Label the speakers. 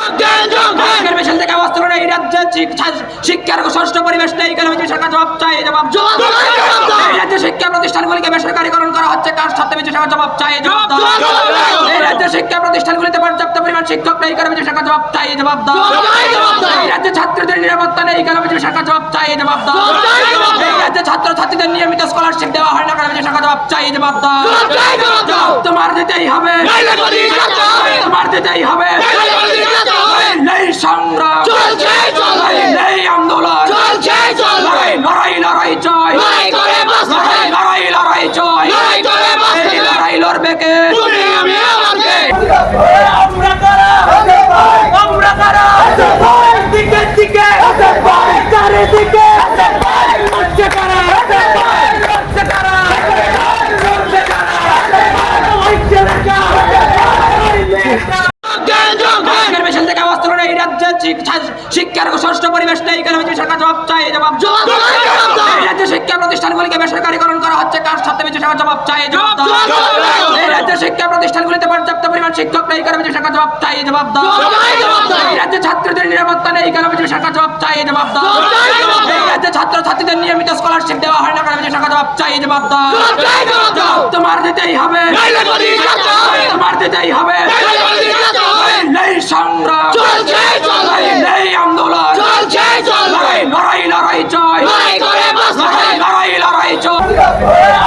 Speaker 1: মিছিল থেকে অবস্থা করে এই রাজ্যে শিক্ষার ষষ্ঠ পরিবেশ নেই কেন সরকার জবাব চাই জবাব এই রাজ্যে শিক্ষা প্রতিষ্ঠানগুলিকে বেসরকারীকরণ করা হচ্ছে কার সাথে সরকার জবাব চাই জবাব এই রাজ্যে শিক্ষা প্রতিষ্ঠানগুলিতে পর্যাপ্ত পরিমাণ শিক্ষক নেই কেন সরকার জবাব চাই জবাব এই রাজ্যে ছাত্রদের নিরাপত্তা নেই কেন সরকার জবাব চাই জবাব এই রাজ্যে ছাত্রছাত্রীদের নিয়মিত স্কলারশিপ দেওয়া হয় না কেন সরকার জবাব চাই জবাব তোমার দিতেই হবে তোমার দিতেই হবে নেই সংগ্রাম নেই আন্দোলন লড়াই লড়াই জয় লড়াই লড়াই জয় এই লড়াই লড়বে কে আমরা কারা দিকে দিকে চারিদিকে লড়ছে কারা লড়ছে কারা লড়ছে কারা মিছিল থেকে অবস্থা করে এই রাজ্যে শিক্ষার ষষ্ঠ পরিবেশ নেই কেন সরকার জবাব চাই জবাব এই রাজ্যে শিক্ষা প্রতিষ্ঠানগুলিকে বেসরকারীকরণ করা হচ্ছে কার সাথে সরকার জবাব চাই জবাব এই রাজ্যে শিক্ষা প্রতিষ্ঠানগুলিতে পর্যাপ্ত পরিমাণ শিক্ষক নেই কেন সরকার জবাব চাই জবাব এই রাজ্যে ছাত্রদের নিরাপত্তা নেই কেন সরকার জবাব চাই জবাব এই রাজ্যে ছাত্রছাত্রীদের নিয়মিত স্কলারশিপ দেওয়া হয় না কেন সরকার জবাব চাই জবাব তোমার দিতেই হবে তোমার দিতেই হবে নেই সংগ্রাম নেই আন্দোলন লড়াই লড়াই জয় লড়াই লড়াই জয়